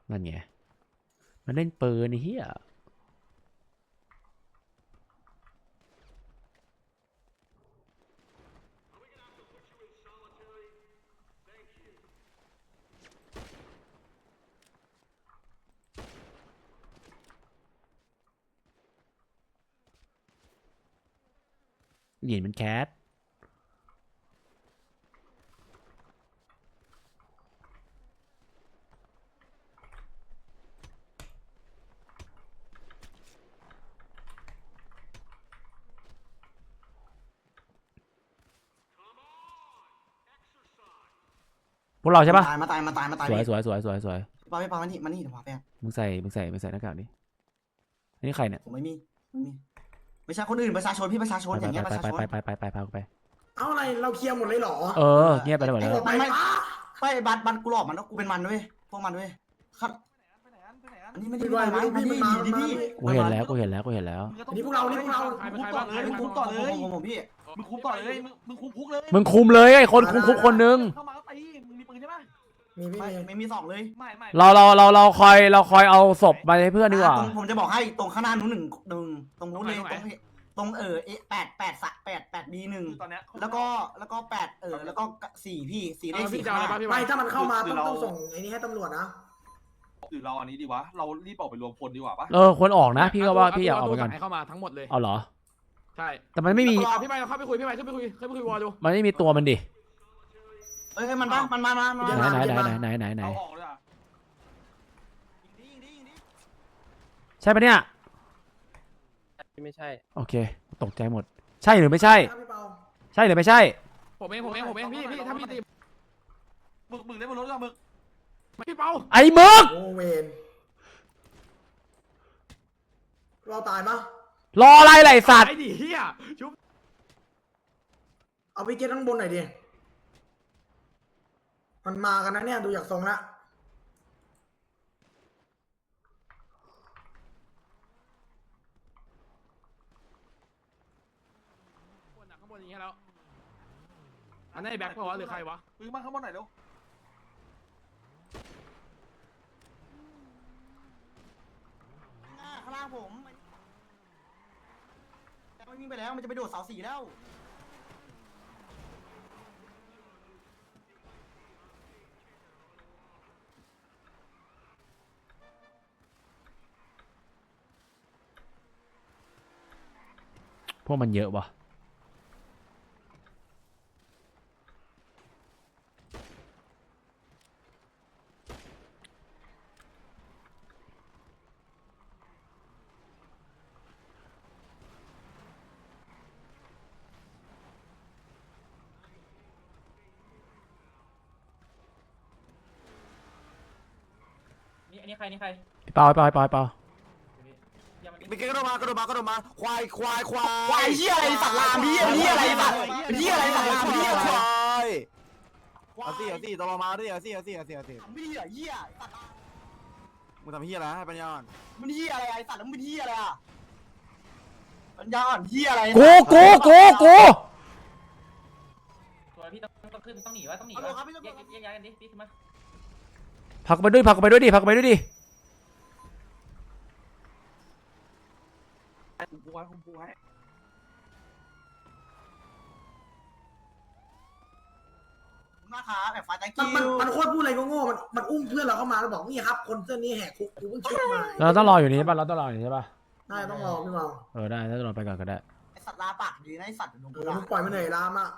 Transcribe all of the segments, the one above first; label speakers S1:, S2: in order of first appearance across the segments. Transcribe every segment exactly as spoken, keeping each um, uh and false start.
S1: นั่นไงมันเล่นปืนเฮียหยินมันแคสพวกเราใช่ปะ
S2: มาตายมาตายมาตาย
S1: สวยสวยสวยสวยสวย
S2: พี่ปาพี่ปามันนี่มันนี่เดี๋ยวพาไป
S1: มึงใส่มึงใส่มึงใส่หน้ากากดินี่ใครเนี่ย
S2: ผมไม่มีไม่มีไม่ใช่คนอื่นประชาชนพี่ประชาชนอย่างเงี้ยประชาชน
S1: ไปไปไปไปไปไปไป
S3: เอาอะไรเราเคลียร์หมดเลยเหรอ
S1: เออเงียบไปแล้วหมดแล้ว
S2: ไม่ไม่ไม่บัตรบัตรกูหลอกมันแล้วกูเป็นมันด้วยพวกมันด้วยครับอันนี้ไม่ได้
S3: พี่ว่าไม่รู้พี่มันมา
S2: ดิพี่
S1: กูเห็นแล้วกูเห็นแล้วกูเห็นแล้ว
S3: นี่พวกเรานี่พวกเรา
S4: มึงคุมต่อเลยมึงคุมต่อเลย
S2: ผมผมพี่
S4: มึงคุมต่อเลยมึงมึงคุมคุกเลย
S1: มึงคุมเลยไอ้คนคุมคุกคนนึง
S4: เข้ามาก็ตีมึงมีปืนใช่ปะ
S3: มีพี่
S2: ไม่
S3: มี
S2: ไม่มีสองเลย
S4: ไม่ไม่
S1: เราเราเราเราคอยเราคอยเอาศพไปให้เพื่อนดีกว่า
S2: ผมจะบอกให้ตรงข้างหน้านู้นหนึ่งหนึ่งตรงนู้นเลยตรงตรงเออเอแปดแปดสะแปดแปดบีหนึ่ง
S4: ตอนเนี้ย
S2: แล้วก็แล้วก็แปดเออแล้วก็สี่พี่สี่เลขสี่
S4: จะอะไรป่ะพี่
S3: ไม่ถ้ามันเข้ามาต้องต้องส่งไอ้นี่ให้ตำรวจนะ
S4: หรือเราอันนี้ดีวะเรารีบออกไปรวมพลดีกว่าปะ
S1: เออควรออกนะพี่ก็ว่าพี่อยากออกไปก่อน
S5: เข้ามาทั้งหมดเลย
S1: เอาเหรอ
S5: ใช่
S1: แต่มันไม่มี
S5: พี่ไปเข้าไปคุยพี่ไปขึ้นไปคุยขึ้นไปคุยวอลดู
S1: มันไม่มีตัวมันดิ
S2: เอ้ยมันมามันมามามา
S1: ไหนไหนไหนไหนไหนไหน
S4: เอาออกเลยอ่ะ
S1: ใช่ปะเนี่ย
S6: ไม่ใช่
S1: โอเคตกใจหมด ใช่หรือไม่ใช่
S3: พี่เปา
S1: ใช่หรือไม่ใช่
S5: ผมเองผมเองผมเองพี่พี่ถ้าพี่ตี
S4: มึงมึงได้บนรถกับมึง
S5: พี่เปา
S1: ไอ้มึก
S3: โอเวนเราตายปะ
S1: รออะไรล่ะไอ้สัตว์
S5: ไอ้ดิเฮียชุบ
S3: เอาไปเก็ตข้างบนหน่อยดิมันมากันนะเนี่ยดูจากทรงละ
S5: ข้างบนอย่างเงี้ยแล้วอันนี้แบ็คพอหรือใครวะ
S4: มึงมาข้างบนหน่อยเร็ว
S2: ข้างล่างผมมันวิ่งไปแล้วมันจะไปโดดเสาสี่แล้ว
S1: พวกมันเยอะวะ
S6: นี่อันนี้ใครนี่ใคร
S1: เปล่าเปล่าเปล่าเปล่า
S2: ไปเกระโดดมากระโดดมากระโดดมาควายควายควายควายเหี้ยอะไรสัตว์ลามพี่เหี้ยอะไรสัตว์เหี้ยอะไรสัตว์ลามพี่อะไรควายเอาสิเอาสิตลอมาดิเอาสิเอาสิเอาสิเอาสิไม่เหี้ยเหี้ยสัตว์มึงทำเหี้ยอะไรให้ปัญญาอ่อนมันเหี้ยอะไรไอ้สัตว์แล้วมึงเป็นเหี้ยอะไรอ่ะปัญญาอ่อนเหี้ยอะไร
S1: กูกูกูกู
S6: ตัวพี่ต้องต้องขึ้นต้องหนีวะต้องหนีวะแยกแยกย้ายกันดิพี่ขึ้นมา
S1: พักไปด้วยพักไปด้วยดิพักไปด้วยดิ
S4: คุมกูไว้คุมกูไว้
S2: มาขาแบบไฟแตง
S3: มัน
S2: กิ้
S3: มัน
S2: ว
S3: มันโคตรพูดอะไรโง่ๆมันมันอุ้มเพื่อนเราเข้ามาแล้วบอกนี่ครับคนเสื้อนี้แหกคุกกูเพิ่งชุบมา
S1: เราต้องรออยู่นี่ใช่ป่ะเราต้องรออยู่นี่ใช่ป่ะ
S3: ได้ต้องรอพี่เปา
S1: เออได้ถ้าจะรอไปก่อนก็ได้
S2: ไอ้สัตว์ลาปากดีนะไอ้สัตว์ลง
S3: เอ
S2: กู
S3: อ
S2: ด่า
S3: มึงปล่อยมันเหนื่อยลามอ่ะ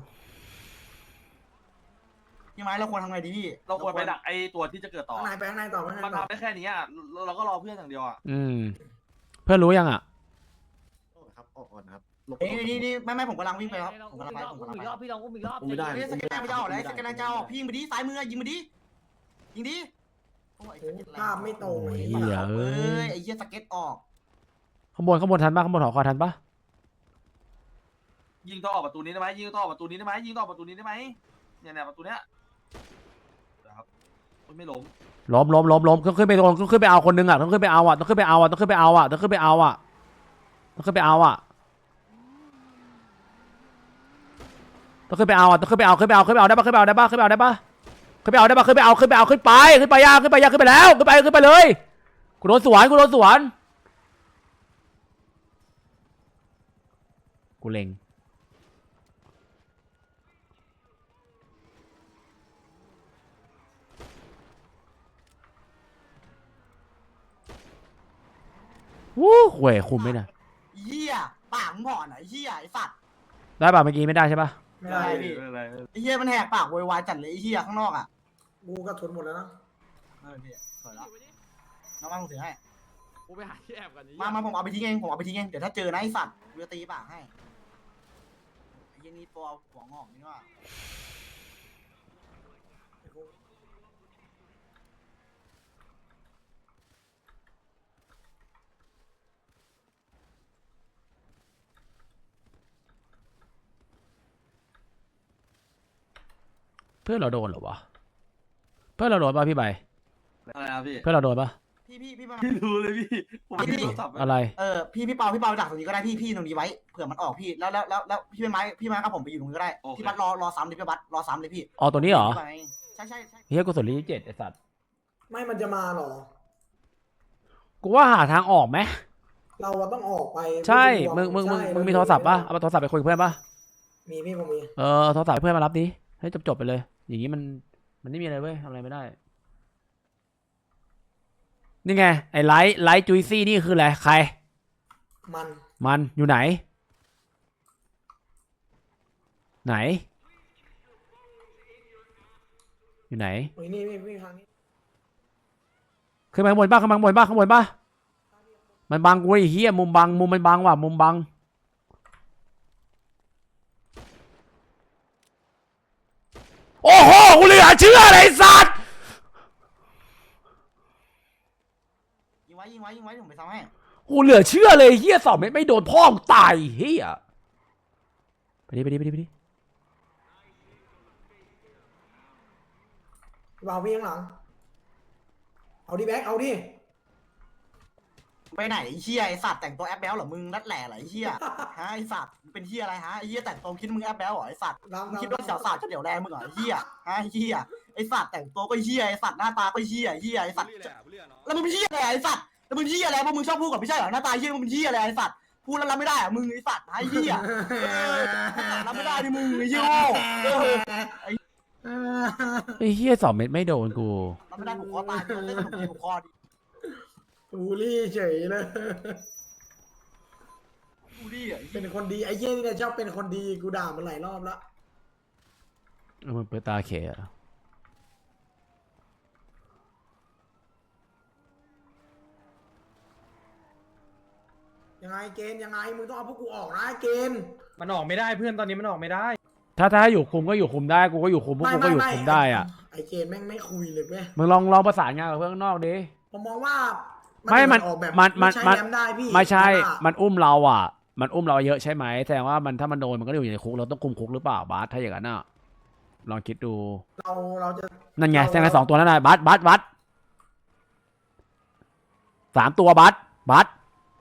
S2: ยังไงเราควรทำไงดีพี่
S4: เราควรไปดักไอ้ตัวที่จะเกิดต่อ
S3: ข้างในไปข้างในต่อข้างใน
S4: มัน
S3: ต่อ
S4: ทำได้แค่นี้อ่ะเราก็รอเพื่อนอย่างเดียวอ่ะ
S1: อืมเพื่อนรู้ยังอ่ะ
S7: ครับออกก่อนครับ
S2: เอ้ยนี่นี่ไม่ไม่ผมกำลังวิ่งไปครับผมกำลังไปผมกำลัง
S6: อี
S2: ไป
S6: กรอบพี่ลองอุ้มอีกรอบ
S7: ไม่ได้
S2: เฮ้ยสแกนไม่จะออกเลยสแกนจะออกพี่ยิงไปดิซ้ายมือยิงไปดิยิงดิโอ้ย
S3: ภาพไม่ตรงไอ้
S1: เหี้
S3: เหี้
S1: ย
S3: ย
S2: เอ้ยไอ้เหี้ยสเก็ตออก
S1: ข้างบนข้างบนทันป่ะข้างบนหอคอยทันป่ะ
S4: ยิงต่อออกประตูนี้ได้ไหมยิงต่อออกประตูนี้ได้ไหมยิงต่อออกประตูนี้ได้ไหมเนี่ยเนี่ยประตูเนี้ยนะครับไม่ล้ม
S1: ล้มล้มล้มล้มต้องขึ้นไปต้องขึ้นไปเอาคนนึงอ่ะต้องขึ้นไปเอาอ่ะต้องขึ้นไปเอาอ่ะต้องขึ้นไปเอาอ่ะต้องขึ้นไปเอาอ่ะต้องขึ้นไปเอาอ่ะต้องขึ้นไปเอาอ่ะต้องขึ้นไปเอาขึ้นไปเอาขึ้นไปเอาได้ป่ะขึ้นไปเอาได้ป่ะขึ้นไปเอาได้ป่ะขึ้นไปเอาได้ปะขึ้นไปเอาขึ้นไปเอาขึ้นไปขึ้นไปยากขึ้นไปยากขึ้นไปแล้วขึ้นไปขึ้นไปเลยกูโดนสวนกูโดนสวนกูเล็งวู้ห่วยคุมไม่ได้
S2: เหี้ยปากมึงห่อนอ่ะเหี้ยไอ้สัตว์
S1: ได้ป่ะเมื่อกี้ไม่ได้ใช่ป่ะ
S3: ไม่ได้พี่
S2: ไอ้เหี้ยมันแหกปากโวยวายจัดเลยไอ้เหี้ยข้างนอกอ่ะ
S3: กูก็ทนหมดแล้วนะ
S2: เออพี่สวยแล้วน้องมาผมถือให้
S5: กูไปหาที่แอบกัน
S2: มามาผมเอาไปทิ้งเองผมเอาไปทิ้งเองเดี๋ยวถ้าเจอนะไอ้สัตว์กูจะตีปากให้ไอ้เหี้ยนี่ตัวหัวงอกนี่ว่า
S1: เพื่อนเราโดนเหรอวะเพื่อนเราโดนป่ะพี่ใบ
S4: อะไรนะพี่
S1: เพื่อนเราโดนป่ะ
S2: พี่พี่พี่มา
S4: ไม่รู้เลยพี่ผมไม่รู้โทรศัพท์
S1: อะไร
S2: เออพี่พี่เปาพี่เปาดักตรงนี้ก็ได้พี่พี่ตรงนี้ไว้เผื่อมันออกพี่แล้วแล้วแล้วแล้วพี่เป็นไม้พี่ไม้กับผมไปอยู่ตรงนี้ก็ได้พี่บัตรรอรอซ้ำเลยพี่บัตรรอซ้ำเลยพี่
S1: อ๋อตัวนี้เหรอ
S2: ใช่ใช่ใช่
S1: เฮียกูสนลีเจ็ดไอสัตว์
S3: ไม่มันจะมาหรอ
S1: กูว่าหาทางออกไหม
S3: เราอะต้องออกไป
S1: ใช่มึงมึงมึง
S3: ใช่
S1: มึงมีโทรศัพท์ป่ะเอาโทรศัพท์ไปคุยกับเพื่อนป่ะ
S3: มีพี่ผมมี
S1: เออโทรศัพท์ให้เพื่อนมารับดิให้จบจบๆไปเลย อย่างนี้มันมันไม่มีอะไรเว้ยทำอะไรไม่ได้นี่ไงไอ้ไลท์ไลท์จุยซี่นี่คืออะไรใคร
S3: มัน
S1: มันอยู่ไหน ไหน อยู่ไหน
S3: โอ้ยนี่พี่พี่ทางนี้
S1: ขึ้นมาข้างบนป่ะข้างบนป่ะข้างบนป่ะมันบังกูไอ้เหี้ยมุมบังมุมมันบังว่ะมุมบังโอ้โหกูเหลือเชื่อเลยไอ้สัตว์
S2: ยิงไว้ยิงไว้ยิงไว้ผมไปซ้ำให้
S1: กูเหลือเชื่อเลยเหี้ยสอบไม่ไม่โดนพ่อมึงตายเหี้ยไปดิไปดิไปดิไปดิ
S3: พี่เบาพี่ข้างหลังเอาดิแบ็คเอาดิ
S2: ไปไหนไอ้เหี้ยไอ้สัตว์แต่งตัวแอปแบลเหรอมึงนัดแหล่เหรอไอ้เหี้ยฮะไอ้สัตว์มึงเป็นเหี้ยอะไรฮะไอ้เหี้ยแต่งตัวคิดมึงแอปแบลเหรอไอ้สัตว์
S3: ลำ
S2: มึง
S3: ลำ
S2: คิดว่าสาวสาวจะเดี๋ยวแรงมึงเหรอไอ้เหี้ยฮะไอ้เหี้ยไอ้สัตว์แต่งตัวก็เหี้ยไอ้สัตว์หน้าตาก็เหี้ยไอ้เหี้ยไอ้สัตว์แล้วมึงเป็นเหี้ยอะไรไอ้สัตว์แล้วมึงเหี้ยอะไรพวกมึงชอบพูดกับไม่ใช่เหรอหน้าตาเหี้ยมึงเป็นเหี้ยอะไรไอ้สัตว์พูดแล้วรับไม่ได้อะมึงไอ้สัตว์ไอ้เหี้ยเออรับไม่ได้ดิมึงไอ้เหี้ยโง่เออ
S1: ไอ้เหี้ยสอบเม็ดไม่โดนกู
S2: รับไม่ได้ผูกคอตายดิเล่นขนมจีนผูกคอดิ
S3: บูลลี่เฉยเลย
S2: กูดิอ่ะ
S3: เป็นคนดีไอ้เหี้ยนี่เนี่ยชอบเป็นคนดีกูด่ามันหลายรอบแล้ว
S1: เอามันเปิดตาเขยอะ
S3: ยังไงเกณฑ์ยังไงมึงต้องเอาพวกกูออกนะเกณฑ์
S5: มันออกไม่ได้เพื่อนตอนนี้มันออกไม่ได้
S1: ถ้าถ้าอยู่คุมก็อยู่คุมได้กูก็อยู่คุมพวกกูก็อยู่คุมได้อ่ะ
S3: ไอ้เกณฑ์แม่งไม่คุยเลยเว้ย
S1: มึงลองลองประสานงานกับเพื่อนข้างนอกดิ
S3: ผมมองว่า
S1: ไม่มัน
S3: ออกแบบ
S1: มันมัน
S3: ใช้
S1: มัน
S3: แรมได้พี่
S1: ไม่ใช่
S3: ว่า
S1: มันอุ้มเราอ่ะ มันอุ้มเราเยอะใช่ไหมแสดงว่ามันถ้ามันโดนมันก็อยู่ในคุกเราต้องคุมคุกหรือเปล่าบาสถ้าอย่างนั้นอ่ะลองคิดดู
S3: เราเราจะ
S1: นั่นไง
S3: เรา
S1: แสดงไงสองตัวนั่นน่ะบัสบัสบัสสามตัวบัสบัส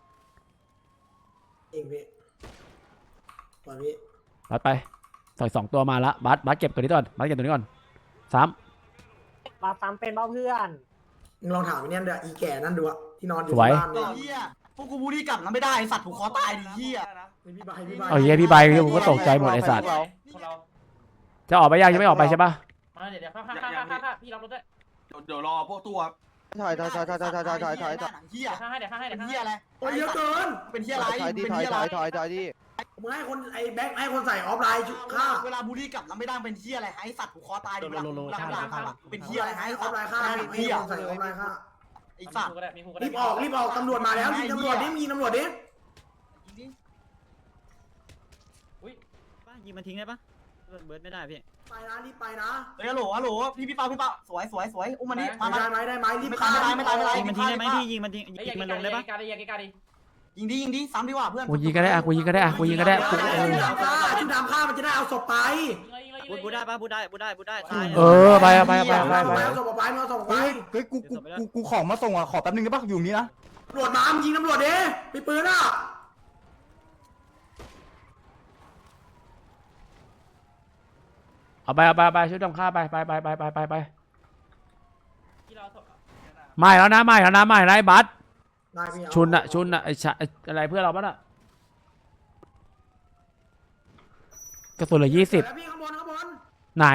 S3: เองพี่ปล่อยพี่
S1: บัสไปใส่สองตัวมาละบัสบัสเก็บตัวนี้ก่อนบัสเก็บตัวนี้ก่อนสาม
S8: มาซ้ำเป็นเบ้าเพื่อน
S3: มึงลองถามไอ้เนี่ยเดี๋ยวอีแก่นั่นดูอะที่นอนอยู่
S1: สวย
S3: ที่บ้าน
S2: ไอ้
S3: เนี่ย
S2: เหี้ยพวกกูบูลลี่กลับนะไม่ได้ไอ้สัตว์ผูกคอตายดิเหี้ย
S3: นี่พี่ใบพี่ใบ
S1: เอาเฮียพี่ใบผมก็ตกใจหมดไอ้สัตว์
S6: พวกเรา
S1: จะออกไปยังจะไม่ออกไปใช่ปะ
S6: มาเดี๋ยวเดี๋ยวข้าข้าข้าข้าข้าพี่รับรถด้วย
S4: เดี๋ยวเดี๋ยวรอพวกตัว
S7: ถอยถอยถอยถอยถอยถอยถอยถอยถอยถอย
S2: เหี้ย
S6: เดี๋ยวข้าให้เดี๋ยวข้าให้
S2: เป็
S6: เดี๋ย
S2: น
S6: วข้า
S2: เหี้ยอะไร
S3: โอ้ยเยอะเกิน
S2: เป็นเหี้ยอะไร
S7: ถอยดิ
S2: เป็น
S7: ถอย
S2: เหี้ย
S7: ถ
S2: อะ
S7: อย
S2: ไร
S7: ถอยถอยดิ
S3: มึงให้คนไอ้แบ็คให้คนใส่ออฟไลน์ชุดฆ่า
S2: เวลาบูลลี่กลับแล้วไม่ได้เป็นเหี้ยอะไรไอ้สัตว์ผูกคอตายดิเวลาเวลาด่าเขาอะเป็นเหี้ยอะไร
S3: ให้
S2: ไอ้
S3: ออฟไลน์ฆ่าให้
S2: เหี้ย
S3: คนใส่ออฟไลน์ฆ่า
S2: ไอ้สัตว์
S6: ก็ได้มีฮูก็ได้
S3: รีบออกรีบออกตำรวจมาแล้วยิงตำรวจดิยิงตำรวจดิ
S8: ยิงมันทิ้งได้ปะเบิร์ดไม่ได้พี่
S3: ไปนะรีบไปนะ
S2: เฮ้ยฮัลโหลฮัลโหลพี่พี่เปาพี่เปาสวยสวยสวยอุ้มมันนี่มามา
S3: ได้ไหมได้ไหมรีบ
S2: ไม่
S3: ฆ่า
S2: ตายไม่ตายไม่ตาย
S8: ยิงมันทิ้งได้ไหมพี่ยิงมันทิ้ง
S6: เฮ้ย
S8: ยิงมันลงได้ปะ
S6: การดิการดิการดิ
S2: ยิงดิยิงดิซ้ำดีกว่าเพื่อน
S1: กูยิงก็ได้อะกูยิงก็ได้อะกูยิงก็ได้กูเออ
S3: ชุดดำฆ่าชุดดำฆ่ามันจะได้เอาศพไป
S8: บูบูได้ปะบูได้บูได้บูได้ตาย
S1: เออไปอะไปอะไปอะไปอะไปอะ
S3: เอาศพไปเอาศพไป
S7: เฮ้ยกูกูกูกูของมาส่งอ่ะขอแป๊บนึงได้ปะอยู่นี้นะ
S3: ตำรวจมามึงยิงตำรวจดิมีปืนอ่ะ
S1: เอาไปเอาไปเอาไปช่วยทำข้าวไปไปไปไปไปไปไป
S6: ที่เราถก
S1: ไม่แล้วนะไม่แล้วนะไม่แล้วไอ้บัส
S3: ได้พี่เอา
S1: ชุนอะชุนอะไอ้ชะไอ้อะไรเพื่อนเราปะน่ะกระสุนเหลือยี่สิบ
S3: แล้วพี่ข้างบนข้างบน
S1: ไหน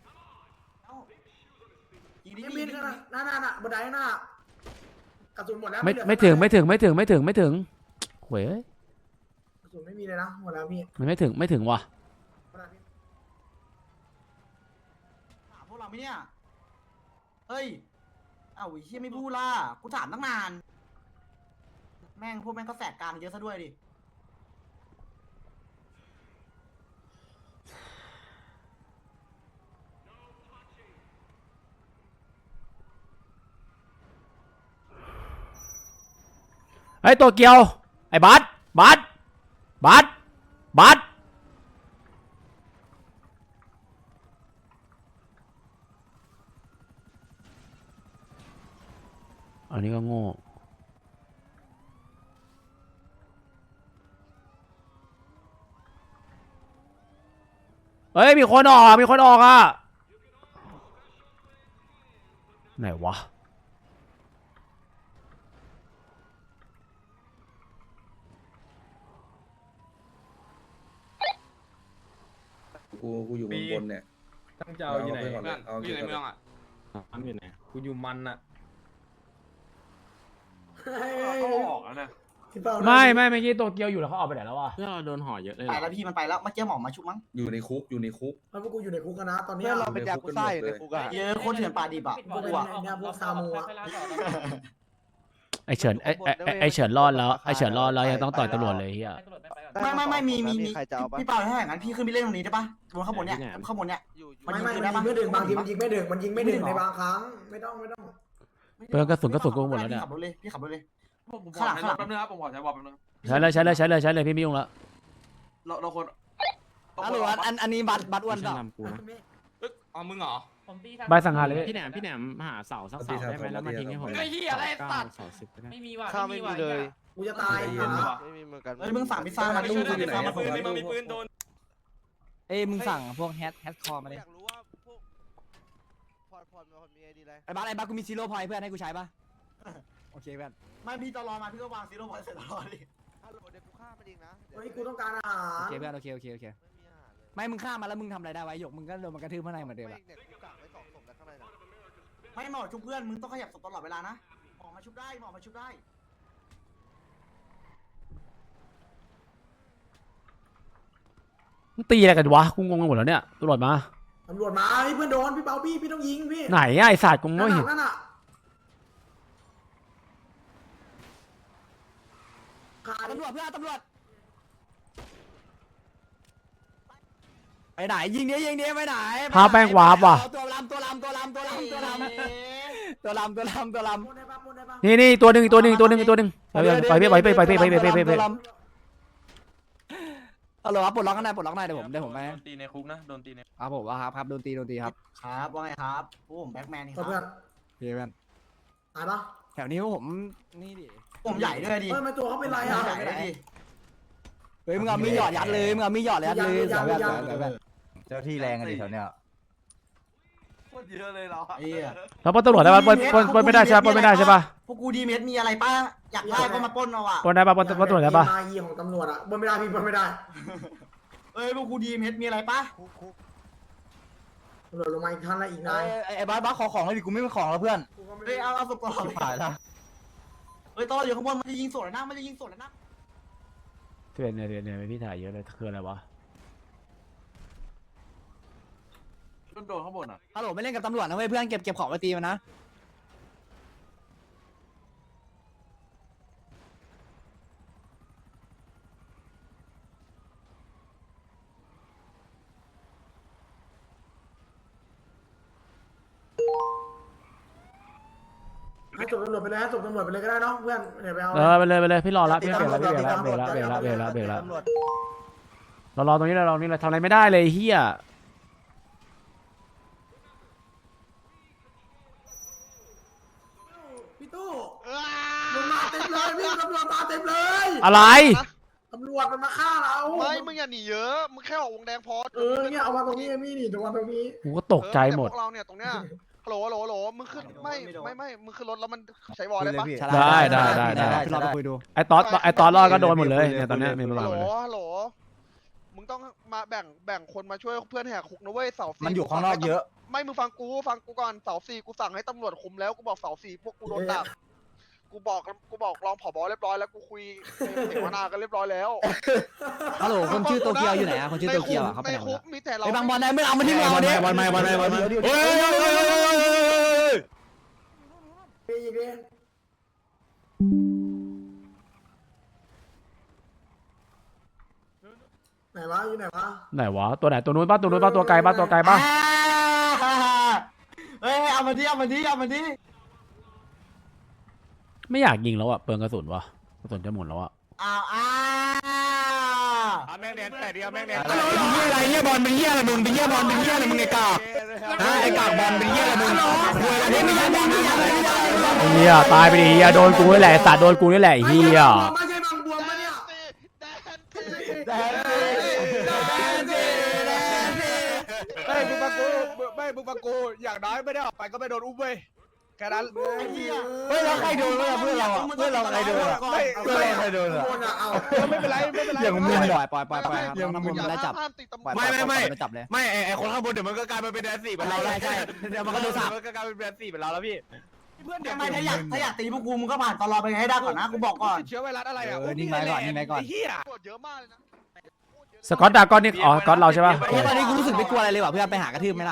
S4: ยิงดิ
S3: นี่
S4: ยิง
S3: มี
S4: ดิ
S3: นหน้าหน้าหน้าบันไดหน้ากระสุนหมดแล้ว
S1: ไม่
S3: เหลือ
S1: ไม่ถึงไม่ถึงไม่ถึงไม่ถึงไม่ถึงเว้ย
S3: กระสุนไม่มีเลยนะหมดแล้วพี่
S1: มันไม่ถึงไม่ถึงว่ะ
S3: หมดแล้วพี่
S2: ถามพวกเราไหมเนี่ยเฮ้ยเอ้าไอ้เหี้ยไม่พูดล่ะกูถามตั้งนานแม่งพวกแม่งก็แสกกลางเยอะซะด้วยดิ
S1: ไอ้ยตัวเกียวไอ้บัสบัสบัสบัสอันนี้ก็โง่เฮ้ยมีคนออกอ่ะมีคนออกอ่ะไหนวะ
S9: กูกูอยู่บนบนเนี่ย
S5: ตั้งจะเอาอยู่ไหน
S9: เอาไปก่อนเลยเอา
S5: กูอยู่ใน
S9: เก็บก่อน
S5: เมืองอ่ะทำอยู่ไหนกูอยู่มันอ่ะ
S3: เฮ้ย
S4: เขาออกแล้วนะ
S3: พี่เป้า
S1: ไม่ไม่เมื่อกี้ตัวเกียวอยู่แล้วเขาออกไปไหนแล้ววะ
S5: เพื่อนเราโดนห่อเยอะเลย
S2: ไปแล้วพี่มันไปแล้วเมื่อกี้หมอมาชุบมั้ง
S9: อยู่ในคุกอยู่ในคุก
S3: แล้วพวกกูอยู่ในคุกกันนะตอนเนี้
S7: เพื่
S3: ย
S7: อนเราเป็นยากุซ่าอยู่ในคุกอะ
S2: เยอะคนเถื่อนปลาดิบอ่ะ
S6: ปิด
S2: พวก
S6: เล
S2: กู
S6: ย
S2: อ่ะ
S3: เนี่ยพวกซามูอะ
S6: ค่อยๆลาต่อ
S1: ไอเฉินไอไอไอ้ไอเฉินรอดแล้วไอเฉินรอดแล้วยังต้องต่อยตำรวจเลยเฮีย
S6: ให้ตำรวจไปไปก่อน
S2: ไม่ไม่ไม่มีมีมี
S7: ใครจะเอาปะ
S2: พี่เปาถ้าอย่างนั้นพี่ขึ้นไปเล่นตรงนี้ได้ปะบนข้างบนเนี่ยข้างบนเนี่ย มัน
S3: ไม่
S2: ยิง
S3: ไม่
S2: ปืน
S3: มัน
S2: ได้
S3: ยิง
S2: ปะ
S3: ไม่ถึงบางทีมันยิงไม่ถึงมันยิงไม่ถึง
S2: ไม่ถึงเหรอ
S3: ในบางครั้งไม่ต้องไม่ต้อง
S1: เปลืองกระสุนกระสุนกูหมดแล้วเนี่ย
S2: พี่ขับรถเลยพี่ขับรถเลย
S4: ผมผมขอใช้บอลแป๊บนึงครับผมขอใช้บอลแป๊บนึง
S1: ใช้เลยใช้เลยใช้เลยใช้เลยพี่ไม่ยุ่งละ
S4: เราเราคน
S7: ฮัลโหลอันอันนี้บัตรบัตรอ้วน
S5: ไม่
S7: เป
S5: ใช่
S7: ล่า
S5: ลำกูนะเอ้ยอ๋อมึงเหรอ
S6: ผมตี
S1: ใบสังหารเลย
S5: พี่แหนมพี่แหนมหาเสาสักเสาได้ไหมแล้วมาทิ้งให้ผม
S6: ไอ้เหี้ยอะไรตัด
S5: เสาสิบก็ได้
S6: ไม่มีว่ะ
S8: ข้าวไม่มีเลย
S3: กูจะตาย
S9: ใจเย็น
S3: อ่ะ
S8: ไม่มีเหมือนกัน
S2: เฮ้ยมึงสั่งพิซซ่ามาดิ
S9: ตู้อยู่ไหน
S2: สั่ง
S9: อะ
S2: มาปืน
S9: ตู้
S7: เอ้ยมึงสั่งพวกแฮชแฮชคอมาเลย
S8: อยากรู้ว่าพวกพอดพอดมันมีไอดีอะไร
S7: ไอ้บัตรไอ้บัตรกูมีซีโร่พอยต์เพื่อนให้กูใช้ปะโอเคเพื่อน
S2: ไม่พี่ตอรอมาพี่ก็วางซีโร่พอยต์เสร็จตลอดดิ
S8: ฮัลโหลเดี๋ยวกูฆ่ามันเองนะเดี๋ยว
S3: เฮ้ยกูต้องการอาหา
S7: โอ
S3: ร
S7: เคเพื่อนโอเคโอเคโอเค
S8: ไม่มีอาหารเลย
S7: ไม่มึงฆ่ามาแล้วมึงทำอะไรได้ไว้หยกมึงก็โดนมันกระทืบข้างในเหมือนเดิม
S8: ไม่
S7: อะ
S8: เนี่ยกูกักไว้สองศพแล้วข้างในน่ะ
S2: ไม่หมอชุบเพื่อนมึงต้องขยับศพตลอดเวลานะหมอมาชุบได้หมอมาชุบได้
S1: มึงตีอะไรกันวะกูงงไปหมดแล้วเนี่ยตำรวจมา
S3: ตำรวจมาเฮ้ยเพื่อนโดนพี่เปาพี่พี่ต้องยิงพี่
S1: ไหนอะไอสัตว์กูไม่เห็น
S3: นั่นน่ะขาด
S7: ตำรวจเพื่อนตำรวจไปไหนยิงเนี้ยยิงเนี้ยไปไหน
S1: พาแป้งวาร์ปว่ะ
S7: ตัวลำตัวลำตัวลำตัวลำตัวลำตัวลำตัวลำตัวลำ
S3: ปนได้ปะปนได้ปะ
S1: นี่นี่ตัวหนึ่งตัวหนึ่งตัวหนึ่งตัวหนึ่งไปไปไปไปไปไปไปไปไปไปไป
S7: ฮัลโหลครับปลดล็อกกันได้ปลดล็อกได้เดี๋ยวผมเดี๋ยวผมไป
S5: โดนตีในคุกนะโดนตีใน
S7: ครับผมว่าครับครับโดนตีโดนตีครับ
S2: ครับว่าไงครับพวกผมแบ็คแมนนี่ค
S3: เพื่อน
S2: รับ
S7: พี่เพื่อน
S3: ตายปะ
S7: แถวนี้ผมนี่ดิ
S2: ผมใหญ่ด้วยดิ
S3: เฮ้ยทำไมตัวเขาเป็นไร
S2: ให
S3: อ่ะ
S2: ญ่ด้วยดิ
S7: เฮ้ยมึงเอามีหยอดยัดเลยมึงเอามีหยอดยัดเลยเสือแบบเสือแบบ
S9: เจ้าที่แรงกันดิแถวเนี้ย
S4: โคตรเยอะเลยเรา
S2: ไอ้เหี้ย
S1: แล้วปล้นตำรวจได้ปะปล้นปล้นปล้นไม่ได้ใช่ปะปล้นไม่ได้ใช่ปะ
S2: พวกกูดีเมสมีอะไรป้าอยากได้ก็มาปล้นเอาอ่ะ
S1: ปล้นได้ปะปล้นปล้นตำรวจได้ปะ
S3: มายีของตำรวจอ่ะปนไม่ได้พี่ปนไม่ได้
S2: เอ้ยพวกกูดีเมสมีอะไรป้า
S8: คุกคุก
S3: ตำรวจลงมาอีกท่านละอีก
S7: ไอ้
S3: นาย
S7: ไอ้ไอ้บ้าบ้าขอของเลยดิกูไม่มีของแล้วเพื่อน
S3: กูก็ไม่
S2: เฮ้ยเอาเอาศพตลอด
S7: ผ่านละ
S2: เฮ้ยตลอดอยู่ข้างบนมันจะยิงสวนแล้วนะมันจะยิงสวนแล้วนะ
S1: เพื่อนเนี่ยเนี่ยเนี่ยพี่ถ่ายเยอะเลยคืออะไรวะ
S4: โดนโดนข้างบนอ่ะ
S7: ฮัลโหลไม่เล่นกับตำรวจนะเว้ยเพื่อนเก็บเก็บของไปตีมันนะ
S3: ให้จบตำรวจไปเลยให้จบตำรวจไปเลยก็ได้เนาะเพื่อนเดี๋ยวไปเอา
S1: เออไปเลยไปเลยพี่รอรับพี่เบรกแล้วพี่เบรกแล้วเบรกแล้วเบรกแล้วเบรกแล้วเบรกแล้ว
S7: ตำรวจ
S1: เรารอตรงนี้เรารอตรงนี้เราทำอะไรไม่ได้เลยเฮีย
S3: พี่ตู้มึงมาเต็มเลยพี่ตำรวจมาเต็มเลย
S1: อะไร
S3: ตำรรวจมันมาฆ่าเรา
S8: ไม่มึงอย่าหนีเยอะมึงแค่ออกวงแดงพอ
S3: เออเนี่ยเอามาตรงนี้เอมี่นี่ตรงมาตรงนี้
S1: กูก็ตกใจหมด
S8: พวกเราเนี่ยตรงเนี้ยฮัลโหลฮัลโหลฮัลโหลมึงขึ้นไม่ไม่ไม่มึงขึ้นรถแล้วมันใช้วอลได้ปะ
S1: ได้ได้ได้ได้
S7: พี่เราไปคุยดู
S1: ไอ้ตอสไอ้ตอสรอดก็โดนหมดเลยเนี่ยตอนเนี้ยมีประมา
S8: ฮั
S1: ณ
S8: ลโหล
S1: หมดเลย
S8: ฮัลโหลมึงต้องมาแบ่งแบ่งคนมาช่วยเพื่อนแหกคุกนะเว้ยเสาสี่
S7: มันอยู่ข้างนอกเยอะ
S8: ไม่มึงฟังกูฟังกูก่อนเสาสี่กูสั่งให้ตำรวจคุมแล้วกูบอกเสาสี่พวกกูโดนดักกูบอกกูบอกรองผบเรียบร้อยแล้วกูคุยเสวนากันเรียบร้อยแล้ว
S7: ฮัลโหลคนชื่อโตเกียวอยู่ไหนอะคนชื่อโตเกียวอะเขาไป
S8: ใน
S7: ไหนหม
S8: คุ
S7: ด
S8: กมีแต่เรา
S7: ไอ้บางบอลไหนมึงเอามาที่มึงเอามาดิ
S1: บอลไม่บอลไม่บอลไม่
S7: เฮ้ย
S3: มีอีกเด้ไหนวะอยู่ไหนวะ
S1: ไหนวะตัวไหนตัวนู้นป่ะตัวนู้นป่ะตัวไกลป่ะตัวไกลป่ะ
S2: เฮ้ยเอามาดิเอามาดิเอามาดิ
S1: ไม่อยากยิงแล้วอ่ะเปลืองกระสุนวะกระสุนจะหมดแล้วอ่ะ
S2: อ้าวอ้า
S5: แม่งแดนแต่เดียวแม่งแดน
S7: เป็นเหี้ยอะไรเหี้ยบอลเป็นเหี้ยอะไรมึงเป็นเหี้ยบอลเป็นเหี้ยอะไรมึงไอ้กากไอ้กากบอลเป็นเหี้ยอะไรมึงคุยอะไรไม่ใช่บอลไม่ใช่อะไร
S1: ไอ้เฮียตายไปดิเฮียโดนกูนี่แหละไอ้สัตว์โดนกูนี่แหละไอ้เฮีย
S3: ไม่ใช่บางบวมปะเนี่ย
S8: แดนซี
S5: ไม่มึงฟังกูไม่มึงฟังกูอย่างน้อยไม่ได้ออกไปก็ไม่โดนอุ้มเว้ยแค่นั้น
S7: เฮ้ยเราใครโดนวะเพื่อนเราอะเพื่อนเราใครโดนอะ
S5: ไม่
S7: เพื่อนเราใครโดนอะ
S3: คนอะเอา
S5: ไม่เป็นไรไม่เป็นไร
S7: อย่างมึงปล่อยปล่อยปล่อยปล่อยครับ
S8: อย่า
S7: น้ำมันมันไล่จับ
S8: ห้ามติดตำรวจ
S7: ไม่ไม่ไม่จับเลย
S2: ไม่ไอ้คนข้างบนเดี๋ยวมันก็กลายมาเป็นแดนสี่เป็นเราแล้ว
S7: ใช่เดี๋ยวมันก็โดนสับ
S2: มันก็กลายเป็นแดนสี่เป็นเราแล้วพี่
S3: ทำไมถ้าอยากถ้าอยากตีพวกกูมึงก็ผ่านตลอดไปให้ได้ก่อนนะกูบอกก่อน
S5: เชื้อไวรัสอะไรอ่ะ
S7: เออนิ่งไว้ก่อนนิ่งไว้ก่อน
S5: เฮีย
S8: ตำรวจเยอะมากเลยนะ
S1: สกอตดากอนนี่อ๋อสกอตเราใช่ป่ะ
S7: ไอ้ตอนนี้กูรู้สึกไม่กลัวอะไรเลยว่ะเพื่อนไปหากระทืบไหมล่ะ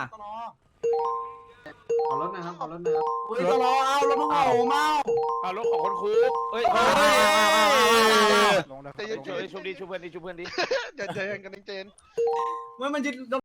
S4: ขอรถนะครับขอรถนะครับ
S3: เฮ้ยตลอดเอาแล้วมึงเอาเมา
S5: เอารถของคนคุกเอ้ย
S8: ใจเย็น
S5: ชุบดิชุบเพื่อนดิชุบเพื่อนดิ
S8: ๆเดี๋ยวใจเย็นกันเจน
S3: เมื่อมันจะ